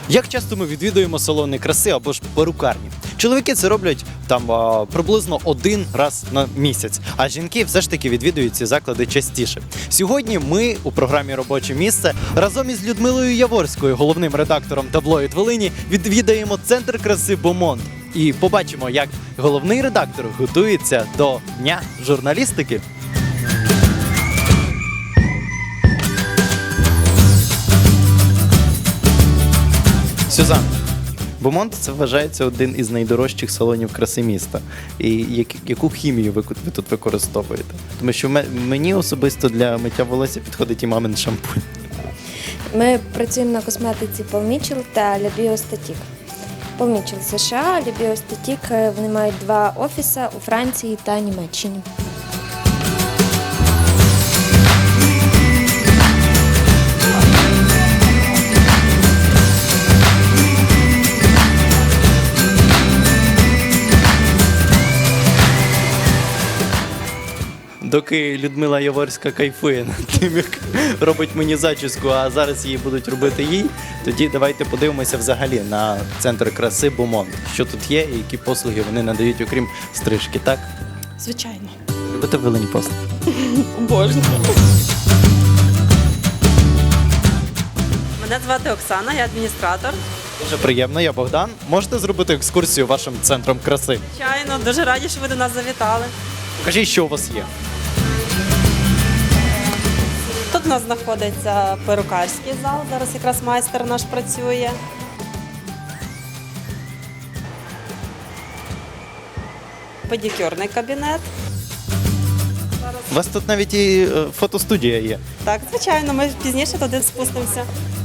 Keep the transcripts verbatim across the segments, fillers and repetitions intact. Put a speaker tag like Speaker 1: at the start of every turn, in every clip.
Speaker 1: Як часто ми відвідуємо салони краси або ж перукарні? Чоловіки це роблять там а, приблизно один раз на місяць, а жінки все ж таки відвідують ці заклади частіше. Сьогодні ми у програмі «Робоче місце» разом із Людмилою Яворською, головним редактором таблоїд Волині, відвідаємо центр краси Бомонт і побачимо, як головний редактор готується до Дня журналістики. Сюзан, Бомонт – це вважається один із найдорожчих салонів краси міста. І як, яку хімію ви, ви тут використовуєте? Тому що ме- мені особисто для миття волосся підходить і мамин шампунь.
Speaker 2: Ми працюємо на косметиці Paul Mitchell та Le Biostatic. Paul Mitchell – США, Le Biostatic – вони мають два офіси у Франції та Німеччині.
Speaker 1: Доки Людмила Яворська кайфує над тим, як робить мені зачіску, а зараз її будуть робити їй, тоді давайте подивимося взагалі на центр краси Бомонт. Що тут є і які послуги вони надають, окрім стрижки, так?
Speaker 3: Звичайно.
Speaker 1: Любите Волині послуги?
Speaker 3: Обожнюю. Мене звати Оксана, я адміністратор.
Speaker 1: Дуже приємно, я Богдан. Можете зробити екскурсію вашим центром краси?
Speaker 3: Звичайно, дуже раді, що ви до нас завітали.
Speaker 1: Покажіть, що у вас є.
Speaker 3: Тут у нас знаходиться перукарський зал, зараз якраз майстер наш працює. Педикюрний кабінет.
Speaker 1: У вас тут навіть і е, фотостудія є.
Speaker 3: Так, звичайно, ми пізніше туди спустимося.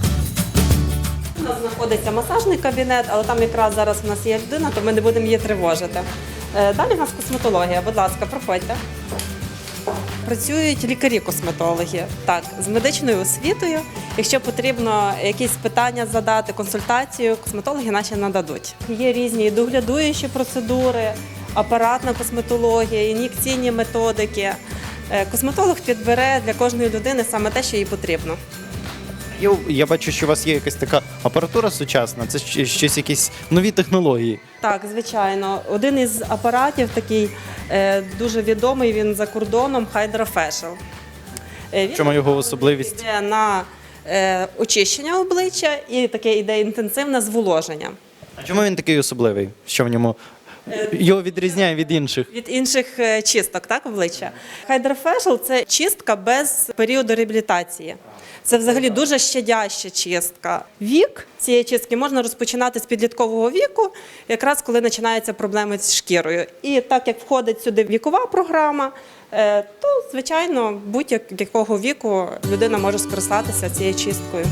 Speaker 3: У нас знаходиться масажний кабінет, але там якраз зараз у нас є людина, то ми не будемо її тривожити. Е, Далі у нас косметологія, будь ласка, проходьте. Працюють лікарі-косметологи, так, з медичною освітою. Якщо потрібно якісь питання задати, консультацію, косметологи наші нададуть. Є різні і доглядуючі процедури, апаратна косметологія, ін'єкційні методики. Е, Косметолог підбере для кожної людини саме те, що їй потрібно.
Speaker 1: Я, я бачу, що у вас є якась така апаратура сучасна, це щ- щось якісь нові технології.
Speaker 3: Так, звичайно. Один із апаратів такий е, дуже відомий, він за кордоном, Hydra Facial. Е,
Speaker 1: В чому його особливість?
Speaker 3: Йде на е, очищення обличчя і таке йде інтенсивне зволоження.
Speaker 1: А чому він такий особливий? Що в ньому його відрізняє від інших?
Speaker 3: Від інших е, чисток, так, обличчя. Hydra Facial – це чистка без періоду реабілітації. Це взагалі дуже щадяща чистка. Вік цієї чистки можна розпочинати з підліткового віку, якраз коли починаються проблеми з шкірою. І так як входить сюди вікова програма, е, то, звичайно, будь-якого віку людина може скористатися цією чисткою.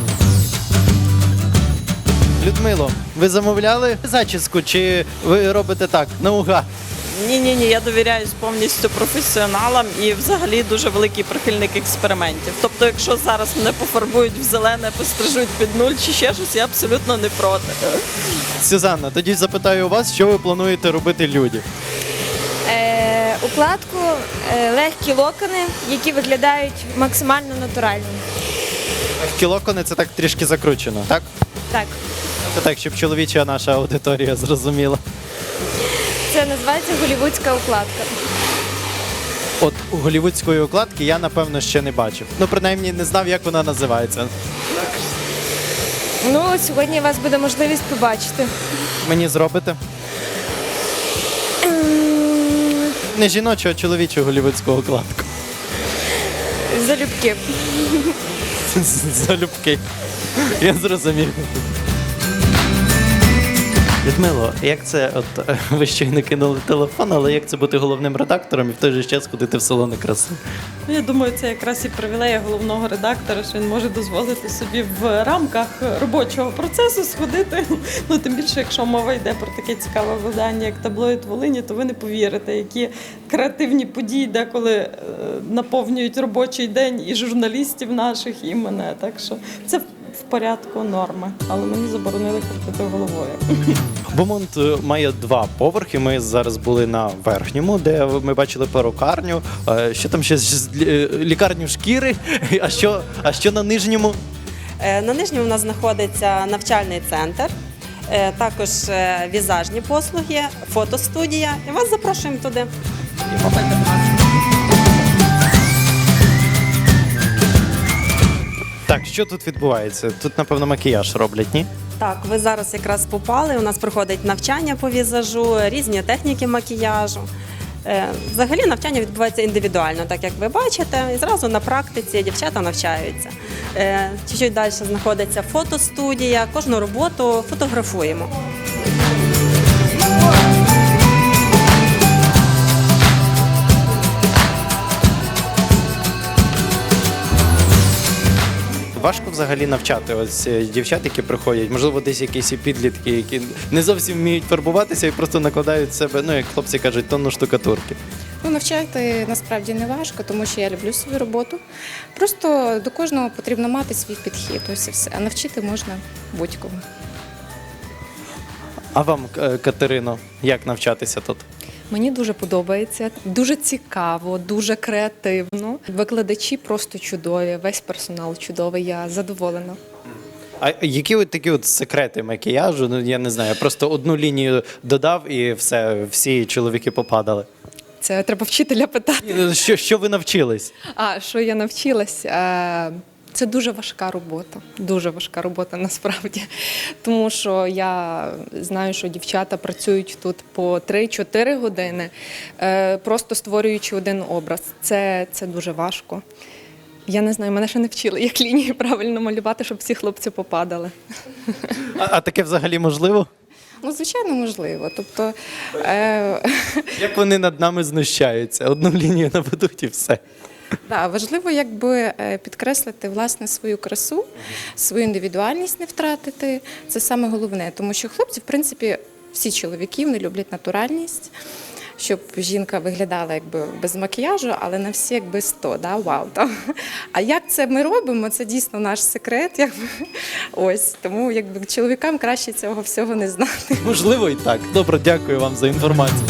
Speaker 1: Людмило, ви замовляли зачіску чи ви робите так, наугад?
Speaker 4: Ні, ні, ні, я довіряюсь повністю професіоналам і взагалі дуже великий прихильник експериментів. Тобто, якщо зараз мене пофарбують в зелене, пострижуть під нуль чи ще щось, я абсолютно не проти.
Speaker 1: Сюзанна, тоді запитаю у вас, що ви плануєте робити людям?
Speaker 2: Е, укладку, е, легкі локони, які виглядають максимально натурально.
Speaker 1: Кілокони це так трішки закручено, так?
Speaker 2: Так,
Speaker 1: Це так, щоб чоловіча наша аудиторія зрозуміла.
Speaker 2: це називається голівудська укладка.
Speaker 1: От у голівудської укладки я, напевно, ще не бачив. Ну, принаймні, не знав, як вона називається.
Speaker 2: Ну, сьогодні у вас буде можливість побачити.
Speaker 1: Мені зробите? Не жіночу, а чоловічу голівудську укладку.
Speaker 2: Залюбки.
Speaker 1: Залюбки. Я зрозумів. Людмило, як це, от е, ви щойно кинули телефон, але як це бути головним редактором і в той же час ходити в салони краси?
Speaker 4: Ну, я думаю, це якраз і привілея головного редактора, що він може дозволити собі в рамках робочого процесу сходити. Ну, тим більше, якщо мова йде про таке цікаве видання, як таблоїд Волині, то ви не повірите, які креативні події деколи е, наповнюють робочий день і журналістів наших, і мене. Так що це в порядку норми, але мені заборонили крутити головою.
Speaker 1: Бомонт е, має два поверхи. Ми зараз були на верхньому, де ми бачили перукарню. Е, Що там ще з- з- лі- лікарню шкіри? А що, а що на нижньому?
Speaker 3: Е, На нижньому у нас знаходиться навчальний центр, е, також е, візажні послуги, фотостудія. І вас запрошуємо туди.
Speaker 1: Так, що тут відбувається? Тут, напевно, макіяж роблять, ні?
Speaker 3: Так, ви зараз якраз попали. У нас проходить навчання по візажу, різні техніки макіяжу. Е, Взагалі навчання відбувається індивідуально, так як ви бачите, і зразу на практиці дівчата навчаються. Е, Чуть-чуть далі знаходиться фотостудія, кожну роботу фотографуємо.
Speaker 1: Важко взагалі навчати ось е, дівчат, які приходять, можливо, десь якісь і підлітки, які не зовсім вміють фарбуватися і просто накладають з себе, ну як хлопці кажуть, тонну штукатурки.
Speaker 5: Ну, навчати насправді не важко, тому що я люблю свою роботу. Просто до кожного потрібно мати свій підхід, ось і все. А навчити можна будь-кому.
Speaker 1: А вам, е, Катерино, як навчатися тут?
Speaker 6: Мені дуже подобається, дуже цікаво, дуже креативно. Викладачі просто чудові, весь персонал чудовий, я задоволена.
Speaker 1: А які от такі от секрети макіяжу? Ну я не знаю, я просто одну лінію додав і все, всі чоловіки попадали.
Speaker 6: Це треба вчителя питати.
Speaker 1: Ні, ну, Що, що ви навчились?
Speaker 6: А що я навчилась? Е, Це дуже важка робота, дуже важка робота насправді. Тому що я знаю, що дівчата працюють тут по три-чотири години, е, просто створюючи один образ. Це, це дуже важко. Я не знаю, мене ще не вчили, як лінії правильно малювати, щоб всі хлопці попадали.
Speaker 1: А, а таке взагалі можливо?
Speaker 5: Ну, звичайно, можливо. Тобто, е,
Speaker 1: Як вони над нами знущаються? Одну лінію наведуть і все.
Speaker 5: да, важливо якби е, підкреслити власне свою красу, свою індивідуальність не втратити. Це саме головне, тому що хлопці, в принципі, всі чоловіки вони люблять натуральність, щоб жінка виглядала якби без макіяжу, але на всі якби сто, да, вау. Там. А як це ми робимо, це дійсно наш секрет. Якби. Ось, тому якби чоловікам краще цього всього не знати.
Speaker 1: Можливо і так. Добре, дякую вам за інформацію.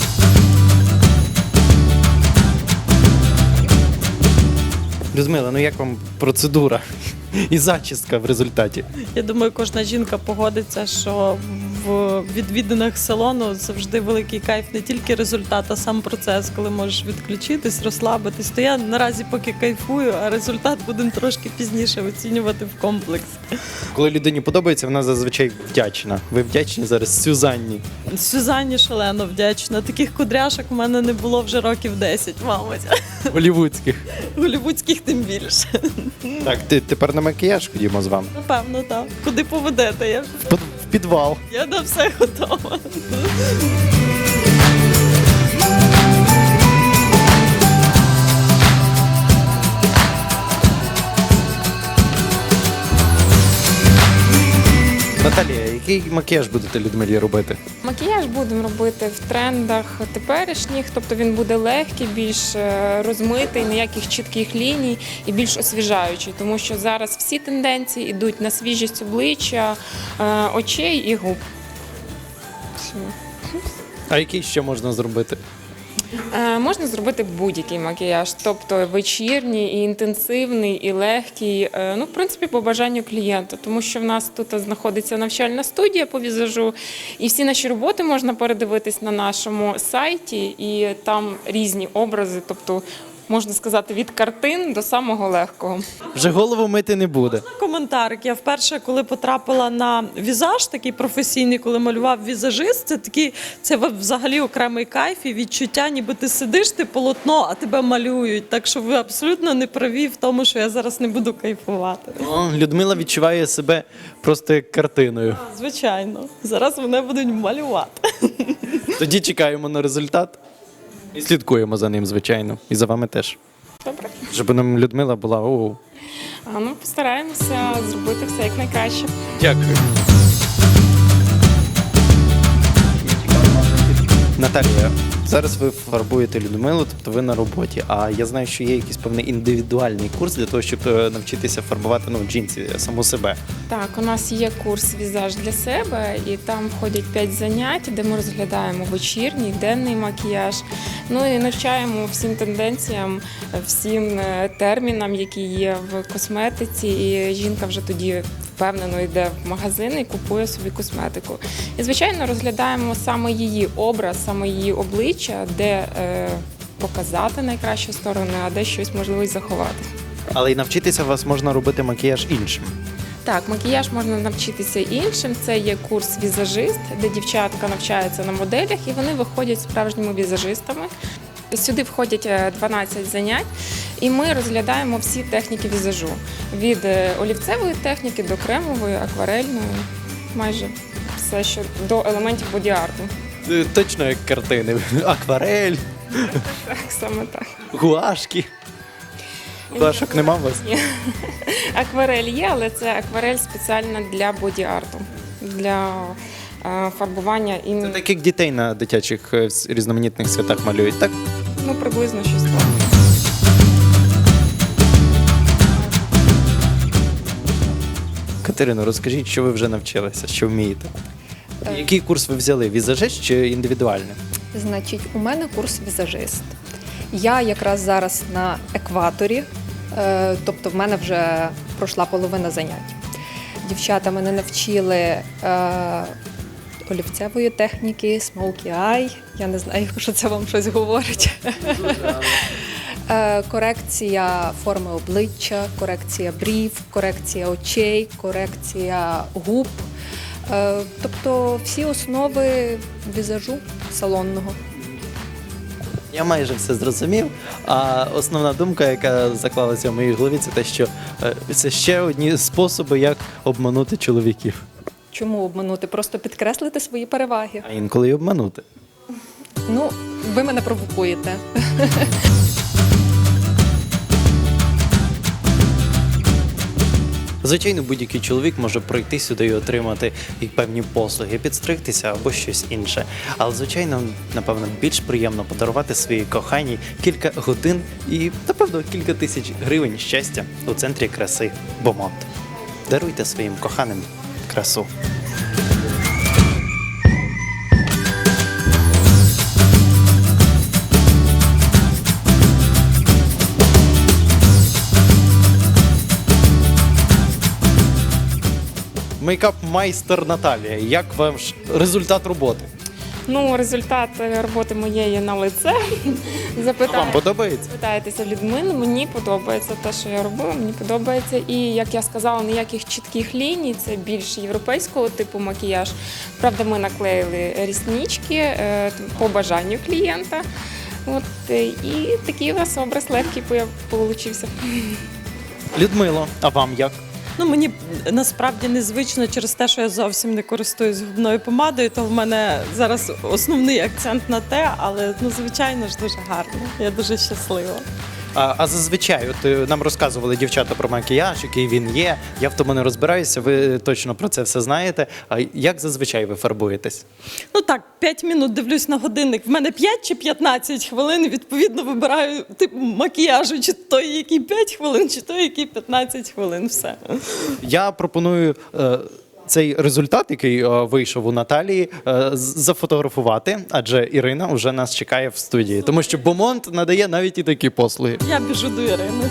Speaker 1: Людмила, ну як вам процедура і зачістка в результаті?
Speaker 4: Я думаю, кожна жінка погодиться, що в відвідинах салону завжди великий кайф, не тільки результат, а сам процес, коли можеш відключитись, розслабитись. То я наразі поки кайфую, а результат будемо трошки пізніше оцінювати в комплексі.
Speaker 1: Коли людині подобається, вона зазвичай вдячна. Ви вдячні зараз Сюзанні.
Speaker 4: Сюзанні шалено вдячна. Таких кудряшок в мене не було вже років десять, мабуть.
Speaker 1: Голівудських.
Speaker 4: Голівудських тим більше.
Speaker 1: Так, ти тепер на макіяж ходімо з вами.
Speaker 4: Напевно, так. Куди поведете? Я,
Speaker 1: В під- в підвал.
Speaker 4: я на все готова.
Speaker 1: Наталія, який макіяж будете Людмилі робити?
Speaker 7: Макіяж будемо робити в трендах теперішніх, тобто він буде легкий, більш е, розмитий, ніяких чітких ліній і більш освіжаючий, тому що зараз всі тенденції йдуть на свіжість обличчя, е, очей і губ. Все.
Speaker 1: А який ще можна зробити?
Speaker 7: Е, Можна зробити будь-який макіяж, тобто вечірній, і інтенсивний, і легкий, е, ну, в принципі, по бажанню клієнта, тому що в нас тут знаходиться навчальна студія по візажу, і всі наші роботи можна передивитись на нашому сайті, і там різні образи, тобто, можна сказати, від картин до самого легкого.
Speaker 1: Вже голову мити не буде.
Speaker 4: Коментарик. Я вперше, коли потрапила на візаж, такий професійний, коли малював візажист, це такий, це взагалі окремий кайф і відчуття, ніби ти сидиш, ти полотно, а тебе малюють. Так що ви абсолютно не праві в тому, що я зараз не буду кайфувати.
Speaker 1: О, Людмила відчуває себе просто як картиною.
Speaker 4: Звичайно, зараз мене будуть малювати.
Speaker 1: Тоді чекаємо на результат і слідкуємо за ним, звичайно. І за вами теж.
Speaker 7: Добре.
Speaker 1: Щоб нам Людмила була. О,
Speaker 7: А, ну, постараємося зробити все як найкраще.
Speaker 1: дякую. Наталія, Зараз ви фарбуєте Людмилу, тобто ви на роботі. А я знаю, що є якийсь певний індивідуальний курс для того, щоб е, навчитися фарбувати ну, в жінці саму себе.
Speaker 7: Так, у нас є курс візаж для себе, і там входять п'ять занять, де ми розглядаємо вечірній, денний макіяж. Ну і навчаємо всім тенденціям, всім е, термінам, які є в косметиці. І жінка вже тоді впевнено йде в магазин і купує собі косметику. І, звичайно, розглядаємо саме її образ, саме її обличчя, де е, показати найкращі сторони, а де щось можливо й заховати.
Speaker 1: Але й навчитися вас можна робити макіяж іншим.
Speaker 7: Так, макіяж можна навчитися іншим. Це є курс візажист, де дівчатка навчаються на моделях і вони виходять справжніми візажистами. Сюди входять дванадцять занять, і ми розглядаємо всі техніки візажу. Від олівцевої техніки до кремової, акварельної, майже все, що до елементів боді-арту.
Speaker 1: Е, Точно як картини. Акварель,
Speaker 7: Так, саме так.
Speaker 1: гуашки. Гуашок нема у вас?
Speaker 7: Ні. Акварель є, але це акварель спеціальна для боді-арту, для е, фарбування
Speaker 1: Це
Speaker 7: іменно,
Speaker 1: так як дітей на дитячих е, с- різноманітних святах малюють, так?
Speaker 7: ну, приблизно щось так.
Speaker 1: Катерино, розкажіть, що ви вже навчилися, що вмієте? Який курс ви взяли? Візажист чи індивідуальний?
Speaker 6: Значить, у мене курс візажист. Я якраз зараз на екваторі, е, тобто в мене вже пройшла половина занять. Дівчата мене навчили е, олівцевої техніки, smoky eye. Я не знаю, якщо це вам щось говорить. Е, Корекція форми обличчя, корекція брів, корекція очей, корекція губ. Е, Тобто всі основи візажу салонного.
Speaker 1: Я майже все зрозумів. А основна думка, яка заклалася в моїй голові, це те, що е, це ще одні способи, як обманути чоловіків.
Speaker 6: Чому обманути? Просто підкреслити свої переваги.
Speaker 1: А інколи й обманути.
Speaker 6: Ну, ви мене провокуєте.
Speaker 1: Звичайно, будь-який чоловік може пройти сюди і отримати і певні послуги, підстригтися або щось інше. Але, звичайно, напевно, більш приємно подарувати своїй коханій кілька годин і, напевно, кілька тисяч гривень щастя у центрі краси Бомонт. Даруйте своїм коханим красу. Мейкап-майстер Наталія. Як ваш результат роботи?
Speaker 7: Ну, результат роботи моєї на лице.
Speaker 1: Вам
Speaker 7: Запитаю.
Speaker 1: подобається?
Speaker 7: Питаєтеся Людмили, мені подобається те, що я робила, мені подобається. І, як я сказала, ніяких чітких ліній, це більш європейського типу макіяж. Правда, ми наклеїли ріснички е, по бажанню клієнта. От, е, і такий у нас образ легкий получився.
Speaker 1: Людмило, а вам як?
Speaker 4: Ну, мені насправді незвично через те, що я зовсім не користуюсь губною помадою, то в мене зараз основний акцент на те, але ну, звичайно ж дуже гарно. Я дуже щаслива.
Speaker 1: А, а зазвичай, от е, нам розказували дівчата про макіяж, який він є. Я в тому не розбираюся, ви точно про це все знаєте. А як зазвичай ви фарбуєтесь?
Speaker 4: Ну так, п'ять минут дивлюсь на годинник. В мене п'ять чи п'ятнадцять хвилин, відповідно, вибираю тип макіяжу, чи той, який п'ять хвилин, чи той, який п'ятнадцять хвилин. Все.
Speaker 1: Я пропоную е, цей результат, який е, вийшов у Наталії, е, з- зафотографувати, адже Ірина вже нас чекає в студії. Тому що Бомонт надає навіть і такі послуги.
Speaker 4: Я біжу до Ірини.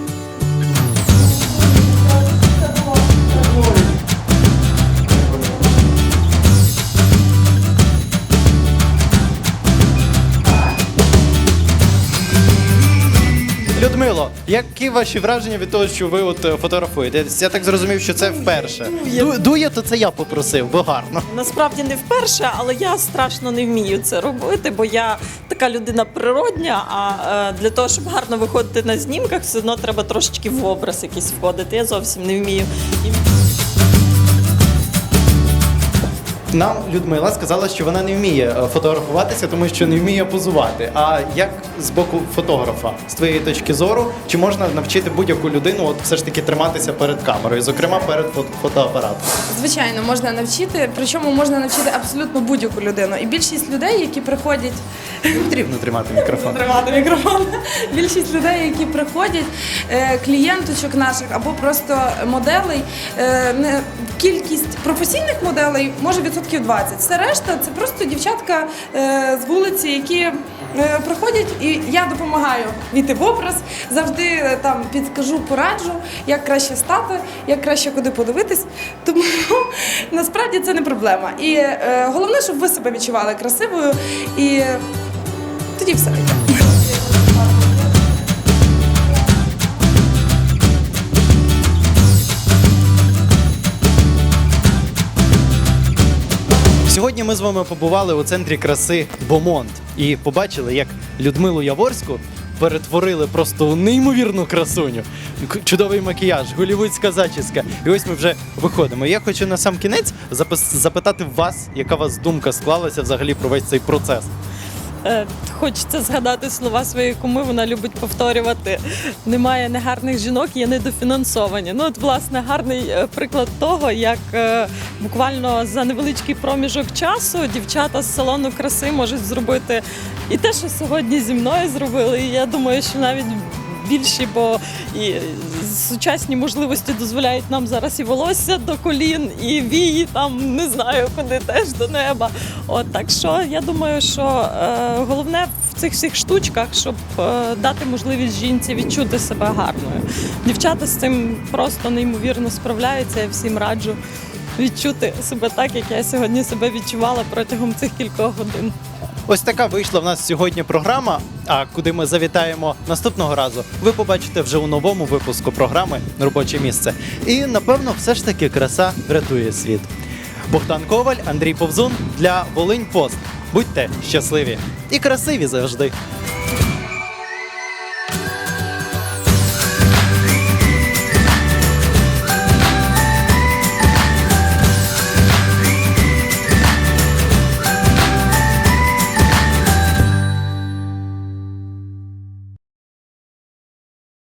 Speaker 1: Людмило, які ваші враження від того, що ви от е, фотографуєте? Я так зрозумів, що це вперше. Ду- Дує, то це я попросив, бо гарно.
Speaker 4: Насправді не вперше, але я страшно не вмію це робити, бо я така людина природня, а е, для того, щоб гарно виходити на знімках, все одно треба трошечки в образ якийсь входити. Я зовсім не вмію. І-
Speaker 1: Нам Людмила сказала, що вона не вміє е, фотографуватися, тому що не вміє позувати. А як з боку фотографа, з твоєї точки зору, чи можна навчити будь-яку людину от все ж таки триматися перед камерою, зокрема перед фото- фотоапаратом?
Speaker 8: Звичайно, можна навчити, причому можна навчити абсолютно будь-яку людину. І більшість людей, які приходять
Speaker 1: Не потрібно тримати мікрофон.
Speaker 8: тримати мікрофон, більшість людей, які приходять, е, клієнточок наших або просто моделей, е, не кількість професійних моделей може відсотків двадцять. Все решта це просто дівчатка е, з вулиці, які е, приходять, і я допомагаю війти в образ, завжди е, там підскажу, пораджу, як краще стати, як краще куди подивитись. Тому насправді це не проблема. І е, головне, щоб ви себе відчували красивою, і тоді все таке.
Speaker 1: Сьогодні ми з вами побували у центрі краси Бомонт і побачили, як Людмилу Яворську перетворили просто у неймовірну красуню. К- Чудовий макіяж, голівудська зачіска. І ось ми вже виходимо. Я хочу на сам кінець запис- запитати вас, яка у вас думка склалася взагалі про весь цей процес.
Speaker 4: Е, Хочеться згадати слова своєї куми, вона любить повторювати: немає негарних жінок, є недофінансовані. Ну, от, власне, гарний е, приклад того, як е, буквально за невеличкий проміжок часу дівчата з салону краси можуть зробити і те, що сьогодні зі мною зробили. І я думаю, що навіть більші, бо і сучасні можливості дозволяють нам зараз і волосся до колін, і вії там не знаю куди, теж до неба. От так що я думаю, що е, головне в цих всіх штучках, щоб е, дати можливість жінці відчути себе гарною. Дівчата з цим просто неймовірно справляються. Я всім раджу відчути себе так, як я сьогодні себе відчувала протягом цих кількох годин.
Speaker 1: Ось така вийшла в нас сьогодні програма. А куди ми завітаємо наступного разу, ви побачите вже у новому випуску програми «Робоче місце». І, напевно, все ж таки краса врятує світ. Богдан Коваль, Андрій Повзун для Волинь Пост. Будьте щасливі і красиві завжди!